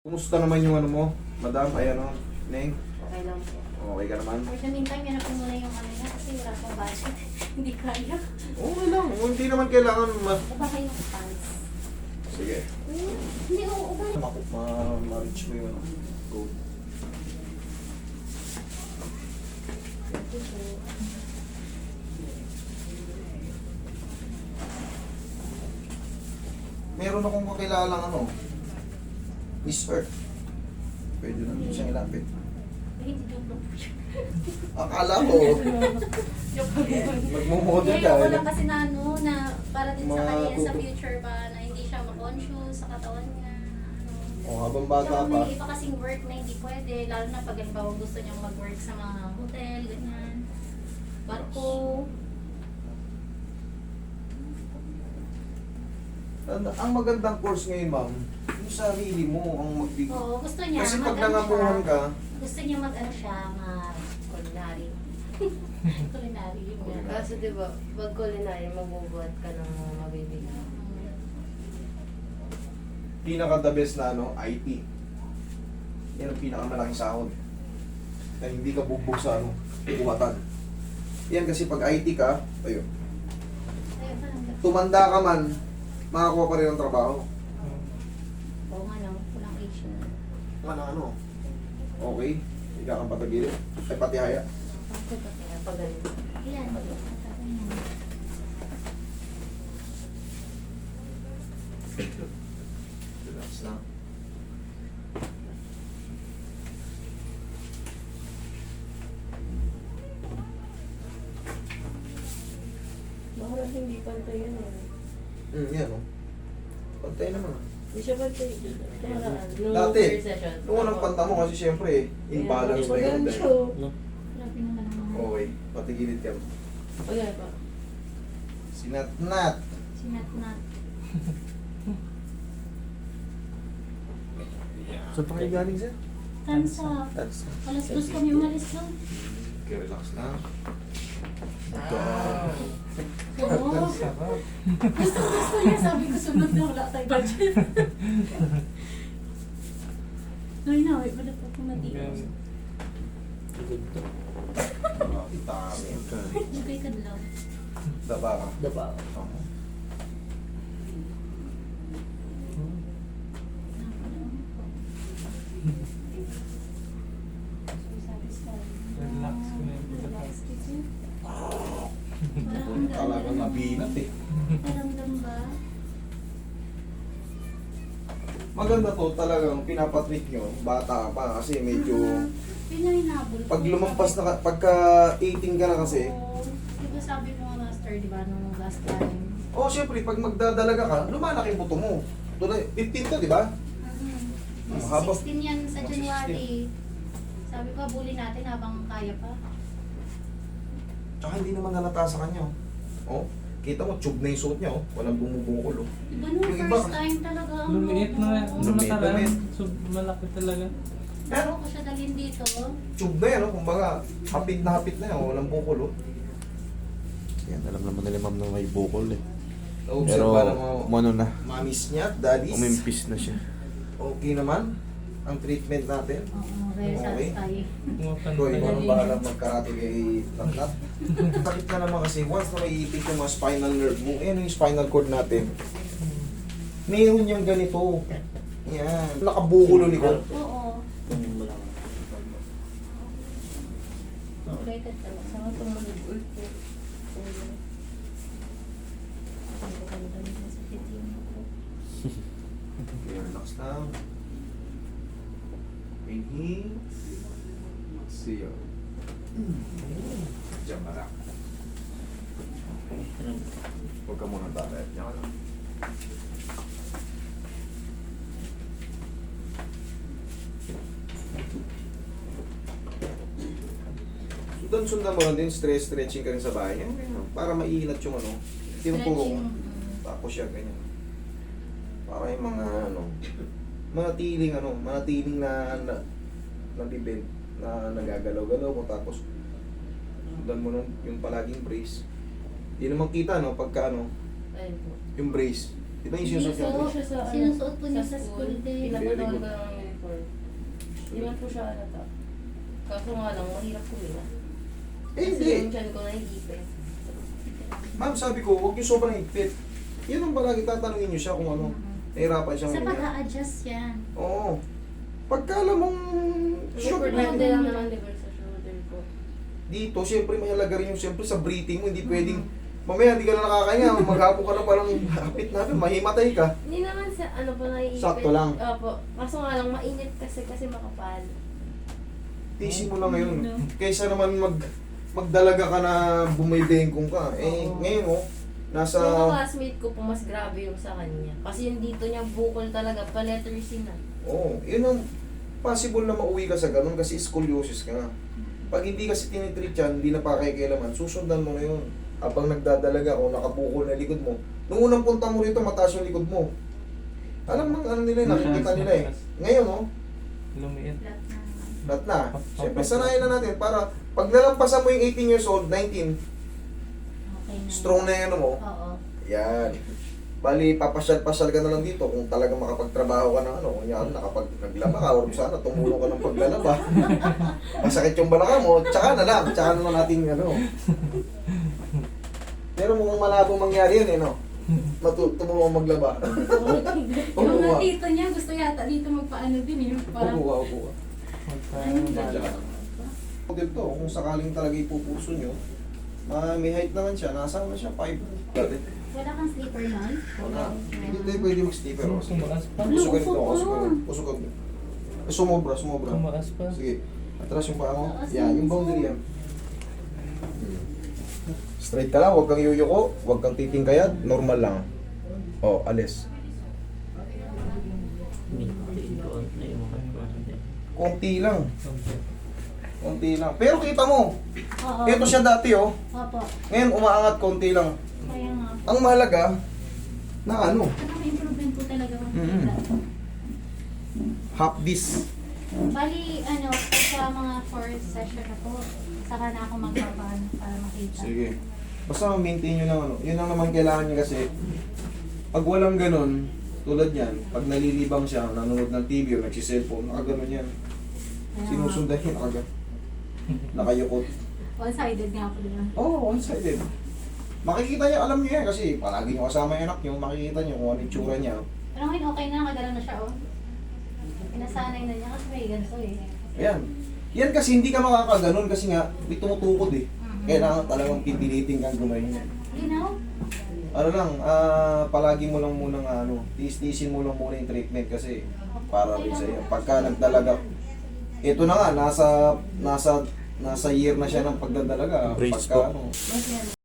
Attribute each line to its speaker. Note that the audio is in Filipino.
Speaker 1: Kumusta naman yung ano mo, madam? Ay ano, Neng?
Speaker 2: Okay lang po.
Speaker 1: Okay ka naman?
Speaker 2: For the meantime, yan po muna yung ano niya kasi wala pong budget. Hindi kaya.
Speaker 1: Okay lang, hindi naman kailangan
Speaker 2: Baba kayo ng pants.
Speaker 1: Sige.
Speaker 2: Hindi ko ubay.
Speaker 1: Ma-reach mo yung ano. Go.
Speaker 2: Thank you po.
Speaker 1: Meron akong kakilalang ano, Miss Earth. Pwede naman siyang ilapit.
Speaker 2: Ay, hindi joke lang po siya.
Speaker 1: Akala ko,
Speaker 2: Joke lang po.
Speaker 1: magmumodel
Speaker 2: Hindi,
Speaker 1: ka.
Speaker 2: ako lang kasi na ano, na para din sa kanya sa
Speaker 1: Matuto.
Speaker 2: future ba, na hindi siya ma-conscious sa katawan niya.
Speaker 1: O, habang bata
Speaker 2: Tsaka
Speaker 1: pa.
Speaker 2: may iba kasing work na hindi pwede, lalo na pag halimbawa gusto niyang mag-work sa mga hotel, ganyan. Barko.
Speaker 1: Ang magandang course ngayon, ma'am, yung sarili mo ang magbigay.
Speaker 2: Oo, gusto niya.
Speaker 1: Kasi pag
Speaker 2: mag-ano
Speaker 1: nangabuhan
Speaker 2: siya.
Speaker 1: ka,
Speaker 2: Gusto niya mag-ano siya, mag-culinary. Culinary yun nga.
Speaker 3: Kaso diba, pag culinary, mabubuhat ka ng mga mabibigyan.
Speaker 1: pinaka-the best na ano, IT. Yan ang pinakamalaking sahod. Na hindi ka bugbog sa ano, buhatan. Yan kasi pag IT ka, ayun,
Speaker 2: Ayun pa lang.
Speaker 1: tumanda ka man, makakuha pa rin ng trabaho.
Speaker 2: Oo nga no, walang age na.
Speaker 1: Ano, okay, hindi ka kang patagilid. Ay, pati haya.
Speaker 3: Kaya pag ganun.
Speaker 2: Ayan.
Speaker 1: Relax lang.
Speaker 3: Bakit hindi pantay yun eh?
Speaker 1: Yan o. Pantay naman.
Speaker 3: Hindi siya pantay. Nakaraan. Nung
Speaker 1: Dati,
Speaker 3: first session.
Speaker 1: nung unang panta mo kasi siyempre, imbalance na yun.
Speaker 3: Pag siya.
Speaker 2: Grabe naman ang mga
Speaker 1: Okay, patigilid ka.
Speaker 3: Okay pa.
Speaker 1: Sinat-nat.
Speaker 2: sinat-nat.
Speaker 1: Saan pa kayo galing, sir?
Speaker 2: Tansa.
Speaker 1: That's
Speaker 2: Alas 2 kami umalis lang.
Speaker 1: okay, relax na.
Speaker 2: Oo. Gusto niya. Sabi ko sunod na wala tayong budget. Ay na, wait. Wala pa pumatios.
Speaker 1: Itami.
Speaker 2: Ikay kadlaw.
Speaker 1: Daba ka.
Speaker 3: Daba.
Speaker 2: Relax ko na yung
Speaker 1: Talagang nabinat eh.
Speaker 2: Naramdam ba?
Speaker 1: Maganda to talagang pinapatreat nyo. Bata pa kasi medyo...
Speaker 2: Pinahinabol ko.
Speaker 1: Pag lumampas na pagka 18 ka na kasi,
Speaker 2: Oo. Diba sabi mo nga master, diba, nung last time?
Speaker 1: oh syempre pag magdadalaga ka, lumalaki yung buto mo. Tulad, 15 to, di ba?
Speaker 2: Mas
Speaker 1: Habang-
Speaker 2: 16 yan sa
Speaker 1: Mas
Speaker 2: January. Sabi ko, bully natin habang kaya pa.
Speaker 1: Tsaka hindi naman nalata sa kanya. Oh, kita mo, tube na yung suot niya. Oh. Walang bumubungkol. Oh.
Speaker 2: Diba nung
Speaker 1: Yung iba-
Speaker 2: first time talaga ang
Speaker 4: Lumiit na nga. Nung
Speaker 1: Lumiit,
Speaker 4: nakaraan,
Speaker 1: lumiit.
Speaker 4: so malaki talaga.
Speaker 2: Pero ko siya dalhin dito.
Speaker 1: Tube na yan, oh. Kumbaga, hapit na yan. Oh. Walang bukol. Oh.
Speaker 5: Yan, alam naman nila ma'am na may bukol eh.
Speaker 1: Pero,
Speaker 5: Pero,
Speaker 1: para mo,
Speaker 5: umano na,
Speaker 1: mamis niya, daddies.
Speaker 5: umimpis na siya.
Speaker 1: Okay naman ang treatment natin.
Speaker 2: Oo, very
Speaker 1: Okay.
Speaker 2: satisfying.
Speaker 1: Ikaw, ikaw nang bahala magkarate kay Tatlat. Sakit na naman kasi once na maiipit yung mga spinal nerve mo, yung spinal cord natin. Mayroon yung ganito. Yan. Nakabukulo ni ko.
Speaker 2: Oo. Related talaga.
Speaker 3: Saka tumunog ulit po.
Speaker 2: Ang ganda nito sa video ko.
Speaker 1: Okay, relax lang. Inhale. Exhale. Diyan ka lang. Huwag ka muna tayo. Diyan ka lang. Sundan mo lang din, stretching ka rin sa bahay. Yan, ganyan. Para maiinat yung ano. Tinuturo mo.
Speaker 2: Stretching.
Speaker 1: Tapos yan, ganyan. Para yung mga ano, manatiling ano, manatiling na bibend, na nagagalaw-galaw mo. Tapos, sundan mo yung palaging brace. Hindi naman kita, no, pagka ano,
Speaker 3: Ayun po.
Speaker 1: yung brace. Di ba yung
Speaker 2: Hindi
Speaker 1: sinusuot
Speaker 2: po.
Speaker 1: yung brace?
Speaker 2: Sinusuot po niya sa school din.
Speaker 1: Very
Speaker 3: Pinapatawa
Speaker 1: good.
Speaker 3: ko lang Hindi man po siya halata. Kaso nga lang, mahirap kuminga.
Speaker 1: Eh,
Speaker 3: Kasi
Speaker 1: hindi.
Speaker 3: yung tiyan ko nahihipit.
Speaker 1: Ma'am, sabi ko, huwag yung sobrang higpit. Yun ang palagi tatanungin nyo siya kung ano. Nahirapan siyang
Speaker 2: Sa
Speaker 1: huminga.
Speaker 2: pag-a-adjust yan.
Speaker 1: Oo. Pagka alam mong short
Speaker 3: Super
Speaker 1: na
Speaker 3: lang lang naman, di ba, sa shoulder ko.
Speaker 1: dito, siyempre mahalaga rin yung siyempre sa breathing mo, hindi pwedeng mamaya hindi ka na nakakahinga, maghapon ka na parang hapit na, mahimatay ka.
Speaker 3: Hindi naman sa ano po naiipit.
Speaker 1: Sakto lang.
Speaker 3: Opo. Kaso nga lang, mainit kasi makapal.
Speaker 1: Tiisin mo lang ngayon. Kaysa naman magdalaga ka na bumibengkong ka. Eh,
Speaker 3: Oo.
Speaker 1: ngayon oh, nasa...
Speaker 3: Yung classmate ko po, mas grabe yung sa kanya. Kasi yung dito niya bukol talaga, pa letter C na.
Speaker 1: Oo, yun ang possible na mauwi ka sa ganun kasi scoliosis ka nga. Pag hindi kasi tinitreat yan, hindi na pakikialaman, susundan mo na yun. Habang nagdadalaga o nakabukol na likod mo, nung unang punta mo rito, mataas yung likod mo. Alam mo, ano nila, nakikita nila eh. Ngayon oh,
Speaker 4: Lumiit.
Speaker 2: Flat na.
Speaker 1: lahat na. Siyempre, sanayin na natin para pag nalampasan mo yung 18 years old, 19,
Speaker 2: Okay na.
Speaker 1: strong na yung ano mo,
Speaker 2: Oo.
Speaker 1: yan. Bali, papasyal-pasyal ka na lang dito kung talagang makapagtrabaho ka ng ano. Kunyari, naglaba ka or sana tumulong ka ng paglalaba. Masakit yung balaka mo, tsaka na lang. Tsaka na lang natin ano. Pero mukhang malabo mangyari yun eh, no? Tumulong maglaba.
Speaker 2: Yung mga tito niya, gusto yata dito magpaano din eh. Parang,
Speaker 1: Upo ka, upo ka.
Speaker 2: ayun ba?
Speaker 1: Dito, kung sakaling talaga ipupuso nyo, may height naman siya. Nasa na siya? 5. Dati.
Speaker 2: Wala kang sleeper nun?
Speaker 1: Wala. Hindi tayo pwede mag-sleeper. O, sige.
Speaker 4: Tumaas pa.
Speaker 1: Pusukan ito,
Speaker 2: Upo
Speaker 1: pusukan. Pusukan. Sumobra, sumobra.
Speaker 4: Tumaas pa.
Speaker 1: Sige. Atras yung paa mo. Yan, yung boundary yan. Straight ka lang, huwag kang yuyuko, huwag kang titingkayad, normal lang. O, alis. Konti lang. Konti lang. Pero kita mo,
Speaker 2: Oo.
Speaker 1: ito siya dati oh.
Speaker 2: Opo.
Speaker 1: Ngayon umaangat konti lang.
Speaker 2: Kaya nga.
Speaker 1: Ang mahalaga, na ano,
Speaker 2: Ano may improvement po talaga
Speaker 1: Mhm. half this.
Speaker 2: Bali, ano, sa mga 4th session na po, saka na ako magpapaan para makita.
Speaker 1: Sige. Basta maintain nyo lang ano. Yun lang naman kailangan nyo kasi pag walang ganun, tulad yan, pag nalilibang siya, nanonood ng TV o nagsiselfone, nakaganon yan.
Speaker 2: Kaya nga.
Speaker 1: Sinusundan yun agad. Nakayukot.
Speaker 2: One-sided nga po din.
Speaker 1: Oo, oh, one-sided. Makikita niya, alam niyo yan kasi palagi niyo kasama yung anak niyo, makikita niyo kung ano yung tsura niya.
Speaker 2: Pero ngayon okay na, nakagalaw na siya, oh. Pinasanay na niya kasi may ganito eh.
Speaker 1: Ayan. Yan kasi hindi ka makakaganon kasi nga may tumutukod eh.
Speaker 2: Mhm.
Speaker 1: Kailangan talagang pipilitin kang gumayin.
Speaker 2: Linaw?
Speaker 1: Ano lang, palagi mo lang munang ano, tiis-tiisin mo lang muna yung treatment kasi para rin sa iyo. Pagka nagdalaga, ito na nga, nasa year na siya ng pagdadalaga.
Speaker 5: Brace
Speaker 1: Pagka
Speaker 5: po.
Speaker 1: ano,
Speaker 2: Mas yan.